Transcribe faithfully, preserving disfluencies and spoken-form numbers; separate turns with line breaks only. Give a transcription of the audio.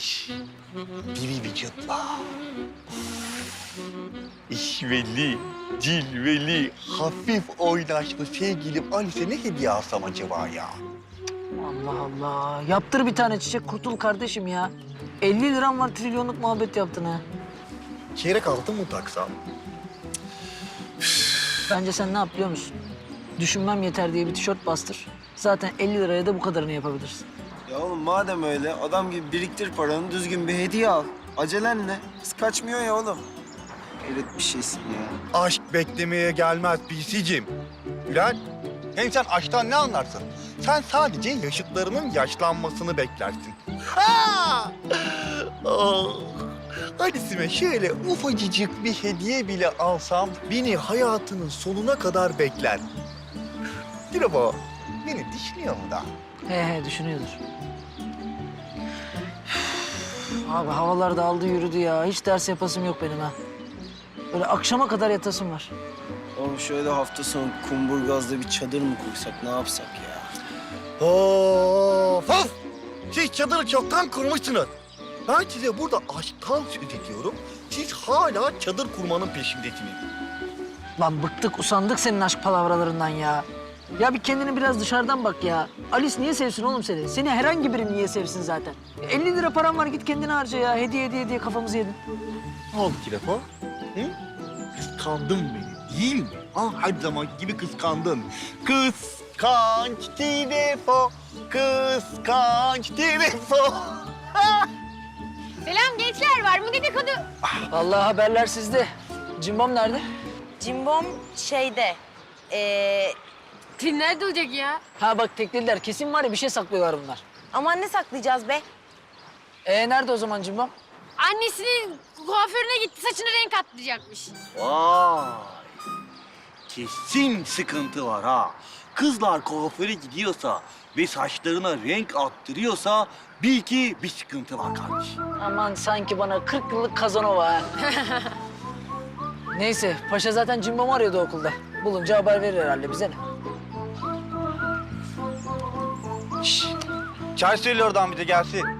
genç, diri vücutla, işveli, cilveli, hafif oynaşlı sevgilim Alice'e ne hediye alsam acaba ya?
Allah Allah. Yaptır bir tane çiçek, kurtul kardeşim ya. elli liram var, trilyonluk muhabbet yaptın ha.
Çeyrek altın mı taksam?
Bence sen ne yap biliyor musun? Düşünmem yeter diye bir tişört bastır. Zaten elli liraya da bu kadarını yapabilirsin.
Ya oğlum madem öyle adam gibi biriktir paranı düzgün bir hediye al. Acelen ne? Kız kaçmıyor ya oğlum. Hayret bir şeysin ya.
Aşk beklemeye gelmez P C'cim. Bülent, hem sen aşktan ne anlarsın? Sen sadece yaşıtlarının yaşlanmasını beklersin. Ha! Oh. Alice'ime şöyle ufacıcık bir hediye bile alsam beni hayatının sonuna kadar bekler. Dilaba, beni düşünüyor mu da?
He he düşünüyordur. Abi havalar da aldı yürüdü ya. Hiç ders yapasım yok benim ha. Böyle akşama kadar yatasım var.
Oğlum şöyle hafta sonu Kumburgaz'da bir çadır mı kursak ne yapsak ya?
Of of! Siz çadırı çoktan kurmuşsunuz. Ben size burada aşktan söz ediyorum. Siz hala çadır kurmanın peşindesiniz.
Lan bıktık, usandık senin aşk palavralarından ya. Ya bir kendini biraz dışarıdan bak ya. Alice niye sevsin oğlum seni? Seni herhangi biri niye sevsin zaten? elli lira param var, git kendine harca ya. Hediye hediye hediye kafamızı yedin.
Ne oldu telefon? Hı? Kıskandın beni değil mi? Ha, her zaman gibi kıskandın. Kıskanç telefon, kıskanç telefon.
Selam gençler, var mı dedikodu?
Vallahi haberler sizde. Cimbom nerede?
Cimbom şeyde, ee,
Nerede olacak ya?
Ha bak teklediler. Kesin var ya bir şey saklıyorlar bunlar.
aman ne saklayacağız be?
Ee nerede o zaman Cimbom?
Annesinin kuaförüne gitti, saçını renk attıracakmış.
Vay! Kesin sıkıntı var ha. Kızlar kuaföre gidiyorsa ve saçlarına renk attırıyorsa bil ki bir sıkıntı var kardeşim.
Aman sanki bana kırk yıllık Kazanova ha. Neyse, paşa zaten Cimbom'u arıyordu okulda. Bulunca haber verir herhalde bize ne?
Şşş! Çay söyle oradan bir de gelsin.